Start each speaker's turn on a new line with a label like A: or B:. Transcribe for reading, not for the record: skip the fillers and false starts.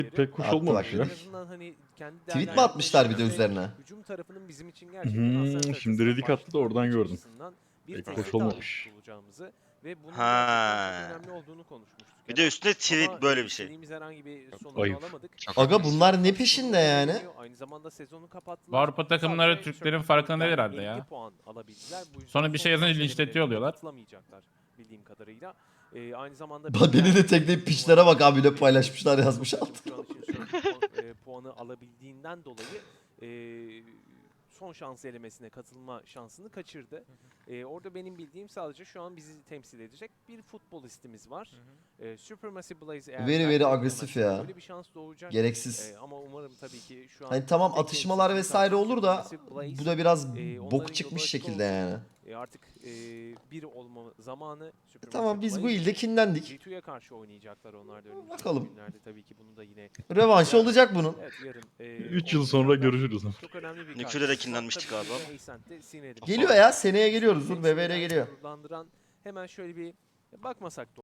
A: pek hoş
B: Attı
A: olmamış
B: bak
A: ya.
B: bir de.
C: En azından hani kendi
B: Tweet mi atmışlar bir de
C: değerlendirmelerinde
B: üzerine?
C: hücum tarafının bizim için gerçekten hasar
A: Şimdi Redik attı da oradan gördüm.
C: bir
A: Pek
C: tehdit
A: hoş olmamış.
C: halinde tutulacağımızı ve bunun gerçekten çok
D: Ha.
C: önemli olduğunu konuşmuştuk.
D: Bir de üstüne tweet böyle bir şey.
C: İstediğimiz herhangi bir sonucu
A: ayıp.
C: alamadık.
E: Çok
B: Aga
E: haklısın.
B: bunlar ne peşinde yani?
C: Aynı zamanda sezonu
F: Bu
C: kapattılar.
F: Avrupa takımları
C: Sadece
F: Türklerin
C: Turkish
F: farkında değil
C: League'den
F: herhalde
C: 50
F: ya.
C: puan alabildiler. Bu yüzden
F: Sonra bir şey
C: son
F: yazınca
C: şans
F: linçletiyor
C: elemelerine
F: oluyorlar.
C: katılamayacaklar bildiğim kadarıyla. Aynı zamanda
B: Beni de tekleyip piçlere bak abi ne paylaşmışlar yazmış altına.
C: şu an için Surf puanı alabildiğinden dolayı son şans elemesine katılma şansını kaçırdı. Orada benim bildiğim sadece şu an bizi temsil edecek bir futbolistimiz var. Supermassive Blaze eğer
B: Very, very
C: belki
B: agresif ya.
C: böyle bir şans doğacak.
B: Gereksiz.
C: Ama umarım tabii ki şu an
B: Hani tamam
C: tek
B: atışmalar
C: temsilcimiz
B: vesaire
C: artık
B: olur da
C: Supermassive Blaze.
B: bu da biraz
C: Onların
B: bok
C: yolu
B: çıkmış
C: açık
B: şekilde
C: olsun.
B: yani.
C: Artık bir olma zamanı Supermassive
B: Tamam biz bu
C: Blaze
B: ilde
C: için
B: kinlendik.
C: G2'ye karşı oynayacaklar onlar da önümüzdeki
B: Bakalım.
C: günlerde tabii ki bunu da yine
B: Revanşı olacak bunun.
C: evet, yarın
A: 3 yıl sonra
C: oynayacaklar.
A: görüşürüz.
C: Çok önemli bir
D: Nükleer'e de
C: karşılaşma.
D: kinlenmiştik
C: Tabii
D: abi.
C: ki Ascent'te sinirli.
B: Geliyor ya seneye geliyoruz. Dur BBL
C: Hepsinden
B: geliyor.
C: gururlandıran hemen şöyle bir bakmasak da